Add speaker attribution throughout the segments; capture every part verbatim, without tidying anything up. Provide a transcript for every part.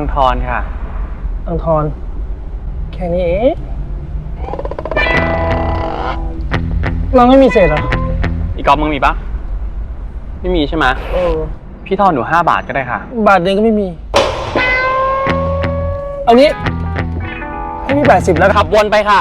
Speaker 1: ทรค่ะ
Speaker 2: อังทรแค่นี้เองเราไม่มีเศษเหรอ
Speaker 1: อีกกอล์ฟมึงมีปะไม่มีใช่ไหม
Speaker 2: เออ
Speaker 1: พี่ทอนหนูห้าบาทก็ได้ค่ะ
Speaker 2: บาทเดียวก็ไม่มีเอางี้ให้พี่แปดสิบแล้ว
Speaker 1: ขับวนไปค่ะ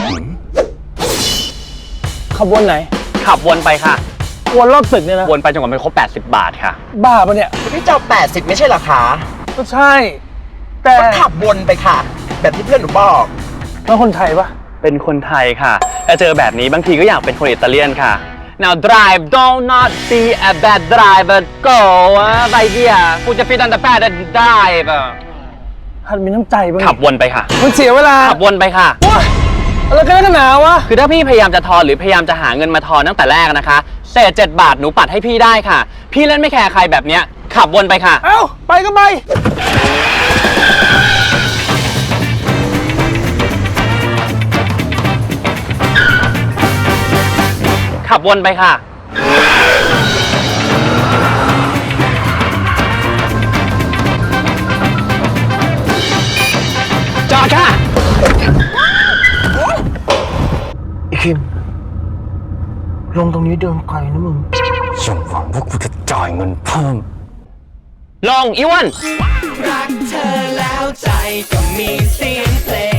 Speaker 2: ขับวนไหน
Speaker 1: ขับวนไปค่ะ
Speaker 2: วนรอบตึกเนี่ยนะ
Speaker 1: วนไปจนกว่ามันครบแปดสิบบาทค่ะ
Speaker 2: บ้าปะเนี่ย
Speaker 3: พี่เจ้าแปดสิบไม่ใช่เหรอคะ
Speaker 2: ก็ใช่แต่
Speaker 3: ขับวนไปค่ะแบบที่เพื่อนหนูบอก
Speaker 2: แล้วคนไทยปะ
Speaker 1: เป็นคนไทยค่ะถ้าเจอแบบนี้บางทีก็อยากเป็นคนอิตาเลียนค่ะ now drive don't not be a bad driver go ไปเดียกูจะฟิตอันดับแปด drive
Speaker 2: หัดมีน้ำใจบ้าง
Speaker 1: ขับวนไปค่ะ
Speaker 2: มันเสียเวลา
Speaker 1: ขับวนไปค่ะ
Speaker 2: อะไรกันนักหนาวะ
Speaker 1: คือถ้าพี่พยายามจะทอนหรือพยายามจะหาเงินมาทอนตั้งแต่แรกนะคะเศษเจ็ดบาทหนูปัดให้พี่ได้ค่ะพี่เล่นไม่แคร์ใครแบบเนี้ยขับวนไปค่ะ
Speaker 2: เอ้าไปก็ไป
Speaker 1: ขับวนไปค่ะจอดค่ะ
Speaker 3: อีคิมลงตรงนี้เดินไกลนะมึง
Speaker 1: อย่าหวังว่ากูจะจ่ายเงินเพิ่มลงอีวัน
Speaker 4: รักเธอแล้วใจก็มีเสียงเพลง